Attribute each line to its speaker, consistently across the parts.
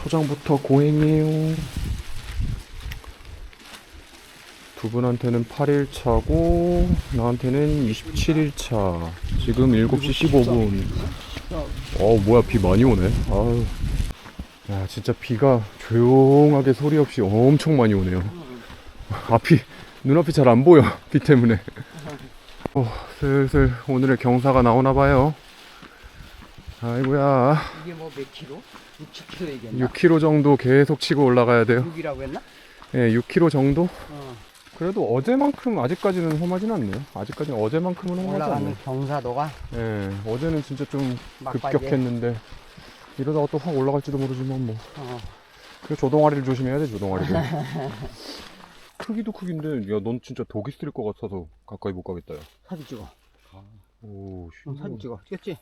Speaker 1: 초장부터 고행이에요. 두 분한테는 8일차고 나한테는 27일차. 지금 7시 15분. 뭐야, 비 많이 오네. 아유. 야, 진짜 비가 조용하게 소리 없이 엄청 많이 오네요. 눈앞이 잘 안 보여. 비 때문에. 슬슬 오늘의 경사가 나오나봐요. 아이고야.
Speaker 2: 이게 뭐 몇 킬로? 6, 7킬로 얘기했나?
Speaker 1: 6km 정도 계속 치고 올라가야 돼요.
Speaker 2: 6이라고 했나?
Speaker 1: 예, 6km 정도?
Speaker 2: 어.
Speaker 1: 그래도 어제만큼 아직까지는 험하진 않네요. 아직까지는 어제만큼은 험하지 않네요.
Speaker 2: 올라가는 경사도가
Speaker 1: 예, 어제는 진짜 좀
Speaker 2: 막바지에.
Speaker 1: 급격했는데 이러다가 또 확 올라갈지도 모르지만 뭐. 그 조동아리를 조심해야 돼, 조동아리를. 크기도 크긴데, 야, 넌 진짜 독이 쓸 것 같아서 가까이 못 가겠다, 야.
Speaker 2: 사진 찍어.
Speaker 1: 오,
Speaker 2: 사진 찍어. 찍었지?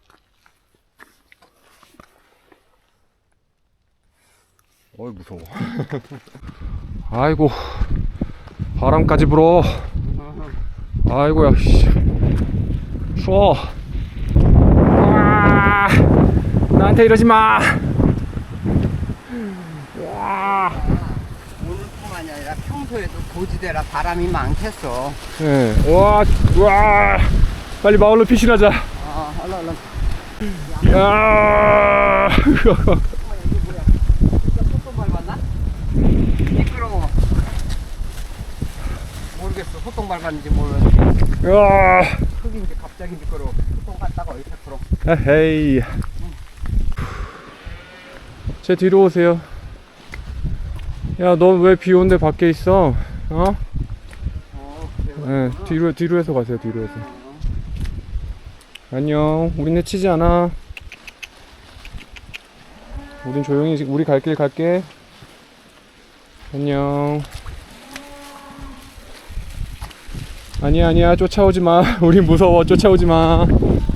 Speaker 1: 어이, 무서워. 아이고, 바람까지 불어. 아이고야, 씨. 추워. 와, 나한테 이러지 마. 와.
Speaker 2: 오늘뿐만이 아니라 평소에도 고지대라 바람이 많겠어.
Speaker 1: 예, 와, 빨리 마을로 피신하자.
Speaker 2: 얼른.
Speaker 1: 야.
Speaker 2: 소똥 밟았나? 미끄러워. 모르겠어. 소똥 밟았는지 모르겠는데.
Speaker 1: 야.
Speaker 2: 흙인지 갑자기 미끄러워. 소똥 갔다가 어디 100%.
Speaker 1: 에헤이. 제 뒤로 오세요. 야, 너 왜 비 오는데 밖에 있어?
Speaker 2: 그래.
Speaker 1: 뒤로 해서 가세요. 뒤로 해서. 안녕. 우린 해치지 않아. 우린 조용히 지금 우리 갈 길 갈게. 안녕. 아니야. 쫓아오지 마. 우린 무서워. 쫓아오지 마.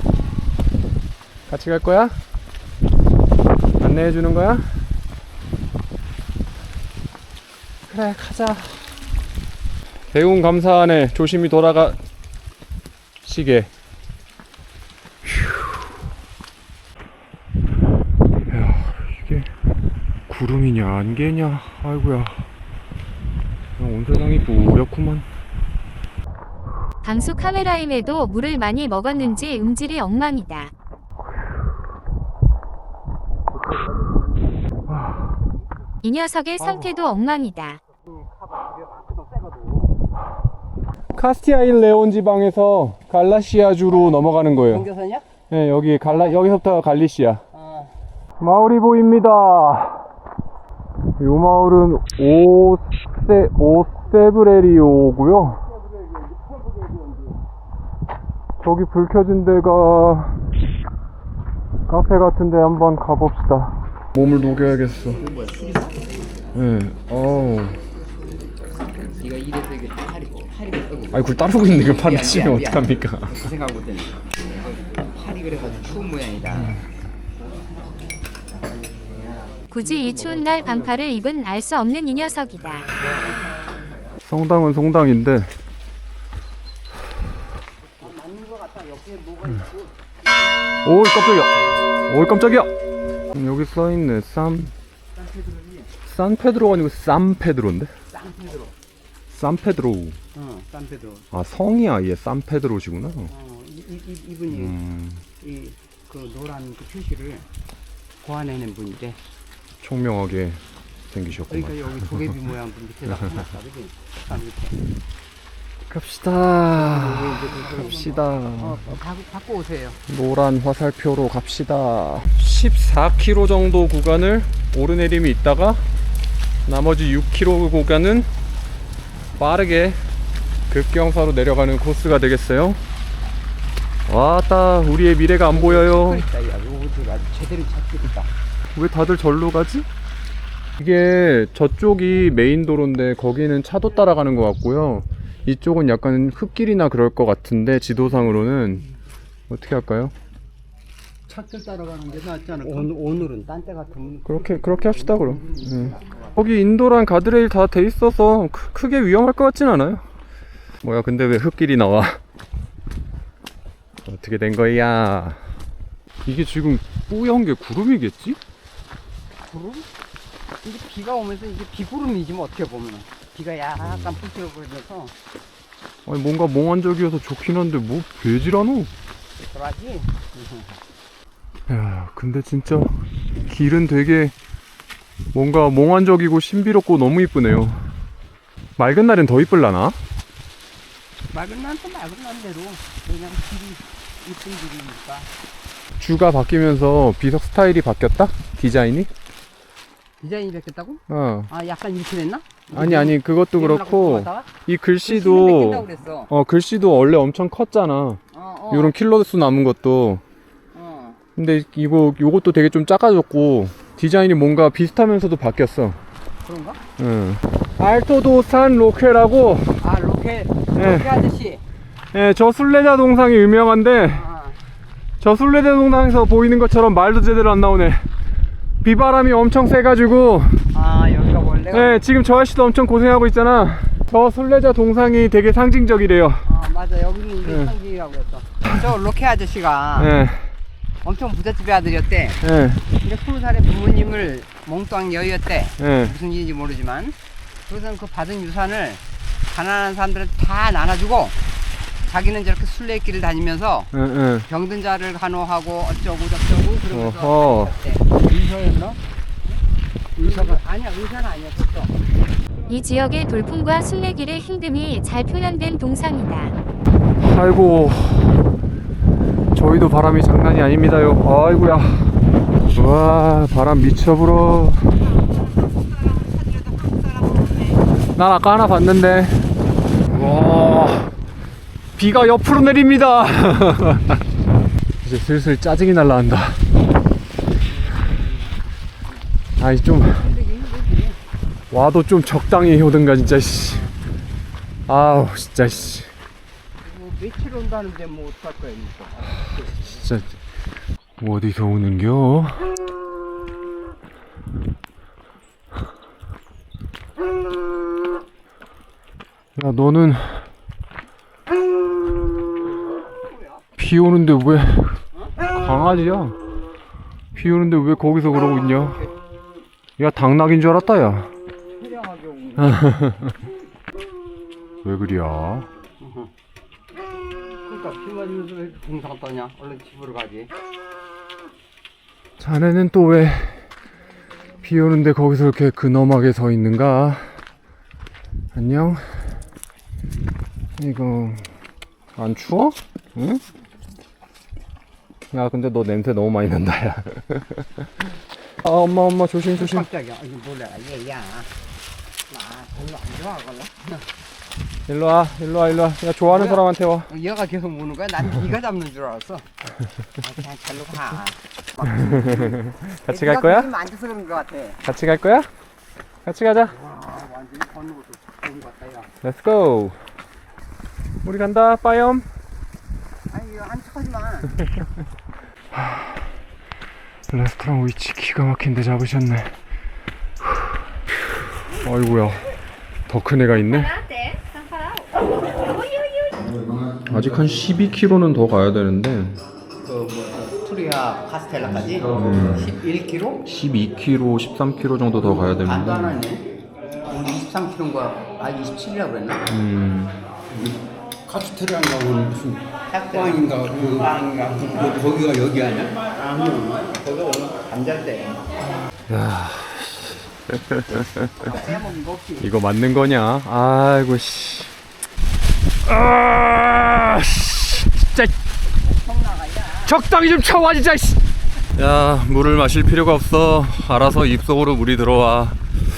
Speaker 1: 같이 갈 거야? 안내해 주는 거야? 그래, 가자. 배운 감사하네. 조심히 돌아가시게. 야, 이게 구름이냐 안개냐. 아이고야. 온 세상이 뿌옇구만.
Speaker 3: 방수 카메라임에도 물을 많이 먹었는지 음질이 엉망이다. 이 녀석의 상태도 엉망이다.
Speaker 1: 카스티아인 레온 지방에서 갈라시아주로 넘어가는 거예요.
Speaker 2: 경계선이야?
Speaker 1: 네, 여기서부터 갈리시아. 마을이 보입니다. 이 마을은 오세브레리오고요. 저기 불 켜진 데가 카페 같은데 한번 가봅시다. 몸을 녹여야겠어.
Speaker 2: 뭐야, 술이다?
Speaker 1: 네,
Speaker 2: 네가 이래서 이게 팔이
Speaker 1: 아니, 그걸 따르고 있는데 이걸 팔을
Speaker 2: 미안,
Speaker 1: 치면
Speaker 2: 미안.
Speaker 1: 어떡합니까?
Speaker 2: 그 생각 못했네. 팔이 그래가지고 추운 모양이다.
Speaker 3: 굳이 이 추운 날 반팔을 입은 알 수 없는 이 녀석이다.
Speaker 1: 성당은 성당인데. 오, 깜짝이야. 여기 써있네. 산페드로가 아니고 산페드로인데? 산페드로.
Speaker 2: 산페드로.
Speaker 1: 아, 성이 아예 산페드로시구나.
Speaker 2: 이분이 그 노란 그 표시를 고안해낸 분인데.
Speaker 1: 총명하게 생기셨구만.
Speaker 2: 그러니까 여기 도깨비 모양 분 밑에다 해놨다, 그지? 산 밑에.
Speaker 1: 갑시다.
Speaker 2: 갖고 오세요.
Speaker 1: 노란 화살표로 갑시다. 14km 정도 구간을 오르내림이 있다가 나머지 6km 구간은 빠르게 급경사로 내려가는 코스가 되겠어요. 왔다, 우리의 미래가 안 보여요.
Speaker 2: 야, 요거가 제대로 찾겠다.
Speaker 1: 왜 다들 절로 가지? 이게 저쪽이 메인 도로인데 거기는 차도 따라가는 것 같고요. 이쪽은 약간 흙길이나 그럴 것 같은데 지도상으로는 어떻게 할까요?
Speaker 2: 차길 따라가는 게 낫지 않을까? 오늘은 딴 때 같으면
Speaker 1: 그렇게 합시다 그럼. 거기 인도랑 가드레일 다 돼 있어서 크게 위험할 것 같진 않아요. 뭐야, 근데 왜 흙길이 나와? 어떻게 된 거야? 이게 지금 뿌연 게 구름이겠지?
Speaker 2: 구름? 이제 비가 오면서 이제 비구름이지 뭐 어떻게 보면 비가 약간 부스러워져서
Speaker 1: 아니 뭔가 몽환적이어서 좋긴 한데 뭐 배지라노?
Speaker 2: 그러지.
Speaker 1: 야 근데 진짜 길은 되게 뭔가 몽환적이고 신비롭고 너무 이쁘네요. 맑은 날엔 더 이쁠라나?
Speaker 2: 맑은 날 또 맑은 날대로 그냥 길이 이쁜 길이니까.
Speaker 1: 주가 바뀌면서 비석 스타일이 바뀌었다? 디자인이?
Speaker 2: 디자인이 바뀌었다고?
Speaker 1: 어.
Speaker 2: 아 약간 이렇게 됐나?
Speaker 1: 아니 그것도 그렇고 이
Speaker 2: 글씨도
Speaker 1: 글씨도 글씨도 원래 엄청 컸잖아. 요런 킬러수 남은 것도. 근데 요것도 되게 좀 작아졌고 디자인이 뭔가 비슷하면서도 바뀌었어.
Speaker 2: 그런가?
Speaker 1: 응. 알토도 산 로케라고.
Speaker 2: 아 로켓
Speaker 1: 예.
Speaker 2: 로켓 아저씨.
Speaker 1: 예, 저 순례자 동상이 유명한데
Speaker 2: 아,
Speaker 1: 저 순례자 동상에서 보이는 것처럼 말도 제대로 안 나오네. 비바람이 엄청 세가지고
Speaker 2: 아 여기가 원래.
Speaker 1: 예, 지금 저 아저씨도 엄청 고생하고 있잖아. 저 순례자 동상이 되게 상징적이래요.
Speaker 2: 아 맞아 여기는 이게
Speaker 1: 예.
Speaker 2: 상징이라고 했어. 저 로켓 아저씨가
Speaker 1: 예,
Speaker 2: 엄청 부잣집의 아들이었대.
Speaker 1: 예,
Speaker 2: 근데 20살에 부모님을 몽땅 여의었대.
Speaker 1: 예.
Speaker 2: 무슨 일인지 모르지만 그래서 그 받은 유산을 가난한 사람들한테 다 나눠주고 자기는 저렇게 순례길을 다니면서
Speaker 1: 예, 예.
Speaker 2: 병든 자를 간호하고 어쩌고 저쩌고 그러면서
Speaker 1: 어허.
Speaker 2: 다녔대. 의사였나? 의사가 아니야 의사는 아니었어.
Speaker 3: 이 지역의 돌풍과 순례길의 힘듦이 잘 표현된 동상이다.
Speaker 1: 아이고, 저희도 바람이 장난이 아닙니다요. 아이고야. 와, 바람 미쳐 불어. 난 아까 하나 봤는데. 와, 비가 옆으로 내립니다. 이제 슬슬 짜증이 날라간다. 아이 좀 와도 좀 적당히 오든가 진짜 씨. 아우 진짜 씨.
Speaker 2: 뭐 며칠 온다는데 뭐 어떡할 거야 이거.
Speaker 1: 진짜 뭐 어디서 오는겨? 야 너는 비 오는데 왜 강아지야? 비 오는데 왜 거기서 그러고 있냐? 야 당나귀인 줄 알았다 야.
Speaker 2: 촬영하게 오는.
Speaker 1: 왜 그리야?
Speaker 2: 그러니까 비 맞으면서 왜 이렇게 동상 떠냐? 얼른 집으로 가지.
Speaker 1: 자네는 또 왜 비 오는데 거기서 이렇게 근엄하게 서 있는가? 안녕? 이거 안 추워? 응? 야 근데 너 냄새 너무 많이 난다 야. 아 엄마 조심.
Speaker 2: 깜짝이야. 이거 몰라 얘야. 나 별로 안 좋아하거든.
Speaker 1: 일로 와. 야 좋아하는
Speaker 2: 뭐야?
Speaker 1: 사람한테 와.
Speaker 2: 얘가 계속 무는 거야? 난 네가 잡는 줄 알았어. 그냥 잘로 가.
Speaker 1: 같이 갈 거야?
Speaker 2: 앉아서 그런 거 같아.
Speaker 1: 같이 갈 거야? 같이 가자.
Speaker 2: 와 완전히 걷는 것도 좋은 것 같다 야.
Speaker 1: Let's go. 우리 간다 빠염.
Speaker 2: 아니 이거 한 척하지 마.
Speaker 1: 레스토랑 위치 기가 막힌데 잡으셨네. 아이고야 더 큰 애가 있네. 아직 한 12km는 더 가야 되는데
Speaker 2: 투리아 카스텔라까지 11km?
Speaker 1: 12km, 13km 정도 더 가야 되는데
Speaker 2: 간단하네. 우리 23km인 거야. 아 27이라고 그랬나?
Speaker 4: 카스테라인가 무슨 빵인가 그 빵인가 거기가 여기 아니야?
Speaker 2: 거기 오늘 잠잘 때. 빼먹은 거 없지.
Speaker 1: 이거 맞는 거냐? 아이고 씨. 아, 진짜 적당히 좀 쳐와 진짜. 야 물을 마실 필요가 없어. 알아서 입속으로 물이 들어와.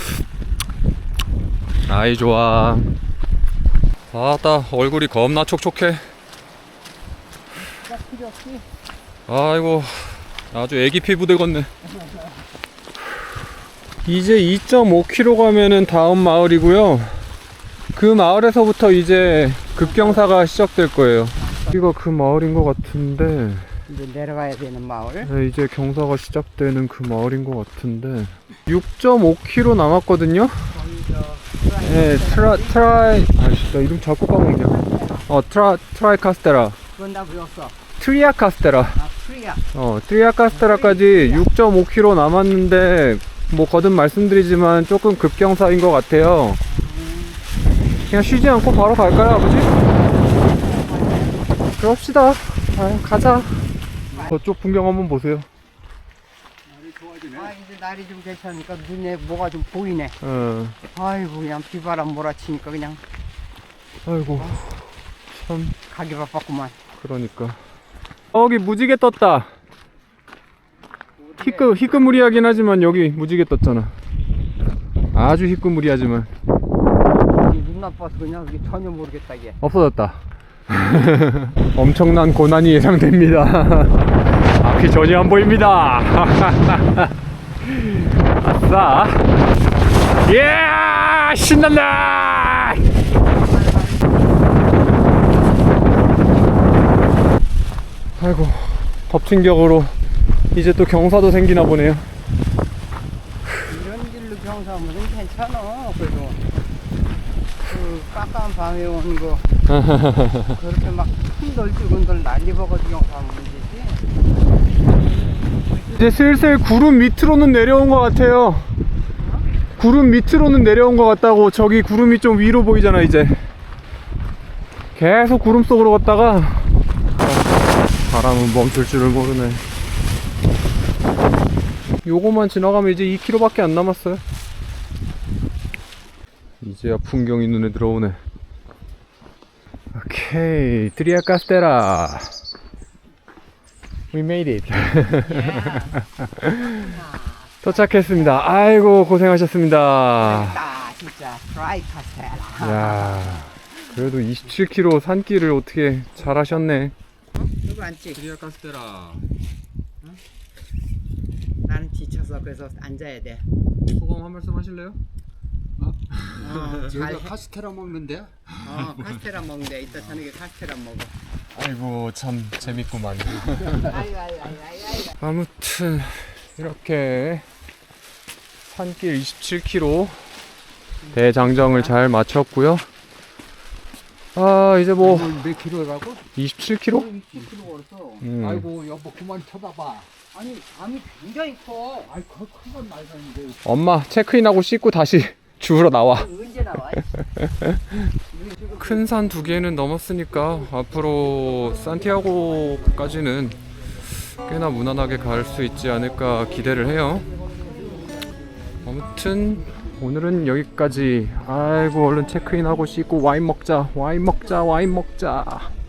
Speaker 1: 아이 좋아. 아따 얼굴이 겁나 촉촉해. 아이고 아주 애기 피부 되겠네. 이제 2.5km 가면은 다음 마을이고요. 그 마을에서부터 이제 급경사가 시작될 거예요. 여기가 그 마을인 것 같은데
Speaker 2: 이제 내려가야 되는 마을.
Speaker 1: 네, 이제 경사가 시작되는 그 마을인 것 같은데 6.5km 남았거든요. 네, 트라이 아씨 나 이름 자꾸 까먹냐. 트라이 카스테라.
Speaker 2: 그건 나 배웠어.
Speaker 1: 트리아 카스테라.
Speaker 2: 아 트리아.
Speaker 1: 트리아 카스테라까지 6.5km 남았는데 뭐 거듭 말씀드리지만 조금 급경사인 것 같아요. 그냥 쉬지 않고 바로 갈까요, 아버지? 그럽시다. 가자. 저쪽 풍경 한번 보세요.
Speaker 2: 아 이제 날이 좀 괜찮으니까 눈에 뭐가 좀 보이네. 아이고 그냥 비바람 몰아치니까 그냥
Speaker 1: 아이고 참
Speaker 2: 가기 바빴구만.
Speaker 1: 그러니까 여기 무지개 떴다. 희끄무리하긴 하지만 여기 무지개 떴잖아. 아주 희끄무리하지만
Speaker 2: 눈 나빠서 그냥 그게 전혀 모르겠다 이게.
Speaker 1: 없어졌다. 엄청난 고난이 예상됩니다. 앞이 전혀 안 보입니다. 아싸. 예! 신난다! 아이고, 덮친 격으로 이제 또 경사도 생기나 보네요.
Speaker 2: 이런 길로 경사하면 괜찮아. 그래도 그 깜깜한 밤에 오는 거 그렇게 막 흔들흔들 난리버거지 경사하면 문제지.
Speaker 1: 이제 슬슬 구름 밑으로는 내려온 것 같아요. 구름 밑으로는 내려온 것 같다고. 저기 구름이 좀 위로 보이잖아. 이제 계속 구름 속으로 갔다가 바람은 멈출 줄을 모르네. 요거만 지나가면 이제 2km 밖에 안 남았어요. 이제야 풍경이 눈에 들어오네. 오케이, 트리아 카스테라. We made it. 도착했습니다. 아이고 고생하셨습니다.
Speaker 2: 아 진짜 드라이 카스테라.
Speaker 1: 야, 그래도 27km 산길을 어떻게 잘 하셨네.
Speaker 2: 누구 앉지?
Speaker 1: 트리아 카스테라.
Speaker 2: 나는 지쳐서 그래서 앉아야 돼.
Speaker 1: 소감 한 말씀 하실래요?
Speaker 2: 잘
Speaker 4: 여기가 카스테라 먹는데?
Speaker 2: 카스테라 먹는데 이따 저녁에 카스테라 먹어.
Speaker 1: 아이고 참 재밌구만.
Speaker 2: 아이고.
Speaker 1: 아무튼 이렇게 산길 27km 대장정을 잘 마쳤고요. 아 이제 뭐
Speaker 4: 몇 킬로라고?
Speaker 1: 27km?
Speaker 2: 20kg 걸었어.
Speaker 4: 아이고 여보 그만 쳐다봐.
Speaker 2: 아니 밤이 굉장히 커.
Speaker 4: 아이 큰건 말하는데.
Speaker 1: 엄마 체크인하고 씻고 다시 주우러 나와.
Speaker 2: 언제 나와?
Speaker 1: 큰 산 두 개는 넘었으니까 앞으로 산티아고까지는 꽤나 무난하게 갈 수 있지 않을까 기대를 해요. 아무튼 오늘은 여기까지. 아이고 얼른 체크인하고 씻고 와인 먹자.